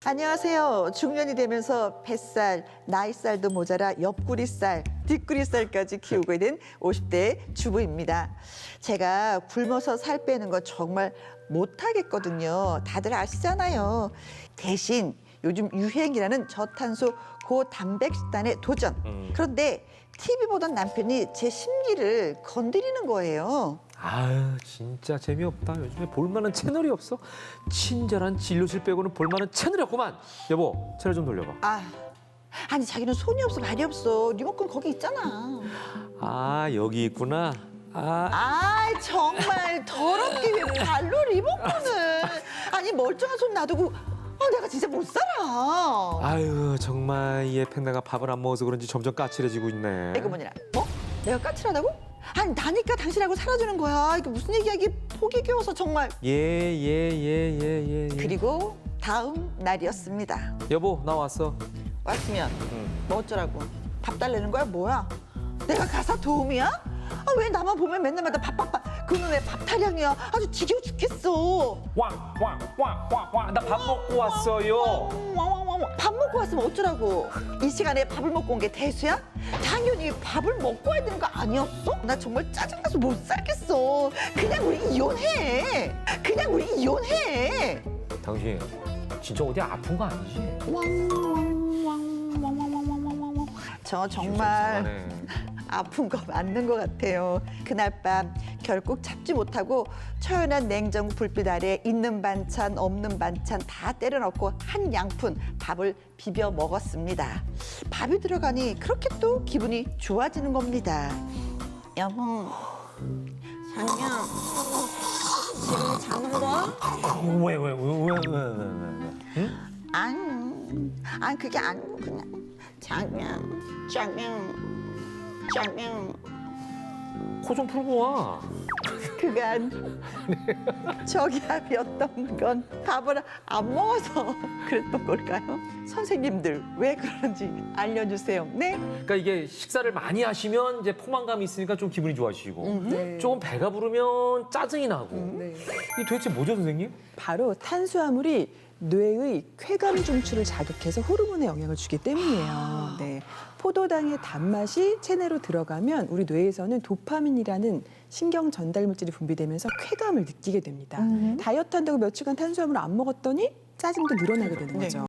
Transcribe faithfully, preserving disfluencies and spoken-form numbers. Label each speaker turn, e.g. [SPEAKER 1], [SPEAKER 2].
[SPEAKER 1] 안녕하세요. 중년이 되면서 뱃살, 나이살도 모자라 옆구리살, 뒷구리살까지 키우고 있는 오십 대 주부입니다. 제가 굶어서 살 빼는 거 정말 못하겠거든요. 다들 아시잖아요. 대신 요즘 유행이라는 저탄소 고단백 식단에 도전.
[SPEAKER 2] 음.
[SPEAKER 1] 그런데 티비보던 남편이 제 심리를 건드리는 거예요.
[SPEAKER 2] 아유 진짜 재미없다. 요즘에 볼만한 채널이 없어. 친절한 진료실 빼고는 볼만한 채널이 없구만. 여보 채널 좀 돌려봐.
[SPEAKER 1] 아, 아니 자기는 손이 없어 발이 없어. 리모컨 거기 있잖아.
[SPEAKER 2] 아 여기 있구나. 아
[SPEAKER 1] 아 정말 더럽게 왜 발로 리모컨을. 아니 멀쩡한 손 놔두고 아, 내가 진짜 못 살아.
[SPEAKER 2] 아유 정말 이 애팽나가 밥을 안 먹어서 그런지 점점 까칠해지고 있네.
[SPEAKER 1] 이거 뭐냐? 뭐? 내가 까칠하다고? 아니 나니까 당신하고 살아주는 거야. 이게 무슨 얘기야? 이게 폭이 겨워서 정말.
[SPEAKER 2] 예예예예예 예, 예, 예.
[SPEAKER 1] 그리고 다음 날이었습니다.
[SPEAKER 2] 여보 나 왔어.
[SPEAKER 1] 왔으면
[SPEAKER 2] 응.
[SPEAKER 1] 뭐 어쩌라고? 밥 달래는 거야? 뭐야? 내가 가사 도우미야? 아, 왜 나만 보면 맨날마다 밥밥밥 그놈 왜 밥 타령이야? 아주 지겨워 죽겠어.
[SPEAKER 2] 와와와와와 나 밥 먹고 왔어요.
[SPEAKER 1] 왕왕왕왕. 밥 먹고 왔으면 어쩌라고? 이 시간에 밥을 먹고 온 게 대수야? 당연히 밥을 먹고 와야 되는 거 아니었어? 나 정말 짜증나서 못 살겠어. 그냥 우리 이혼해. 그냥 우리 이혼해.
[SPEAKER 2] 당신 진짜 어디 아픈 거 아니지?
[SPEAKER 1] 왕왕왕왕왕왕왕왕왕. 저 정말 아픈 거 맞는 것 같아요. 그날 밤 결국 참지 못하고 처연한 냉장고 불빛 아래 있는 반찬 없는 반찬 다 때려 넣고 한 양푼 밥을 비벼 먹었습니다. 밥이 들어가니 그렇게 또 기분이 좋아지는 겁니다. 여보, 자기야, 지금 자는 거야?
[SPEAKER 2] 왜왜왜왜왜 왜, 왜, 왜, 왜, 왜? 응?
[SPEAKER 1] 아니, 아니 그게 아니고 그냥 자기야, 자기야, 자기야.
[SPEAKER 2] 코 좀 풀고 와.
[SPEAKER 1] 그간 저기압이었던 건 밥을 안 먹어서 그랬던 걸까요? 선생님들 왜 그런지 알려주세요. 네?
[SPEAKER 2] 그러니까 이게 식사를 많이 하시면 이제 포만감이 있으니까 좀 기분이 좋아지시고
[SPEAKER 3] 네.
[SPEAKER 2] 조금 배가 부르면 짜증이 나고
[SPEAKER 3] 네.
[SPEAKER 2] 이게 도대체 뭐죠 선생님?
[SPEAKER 3] 바로 탄수화물이 뇌의 쾌감 중추를 자극해서 호르몬에 영향을 주기 때문이에요. 네. 포도당의 단맛이 체내로 들어가면 우리 뇌에서는 도파민이라는 신경 전달 물질이 분비되면서 쾌감을 느끼게 됩니다. 다이어트 한다고 며칠간 탄수화물을 안 먹었더니 짜증도 늘어나게 되는 거죠.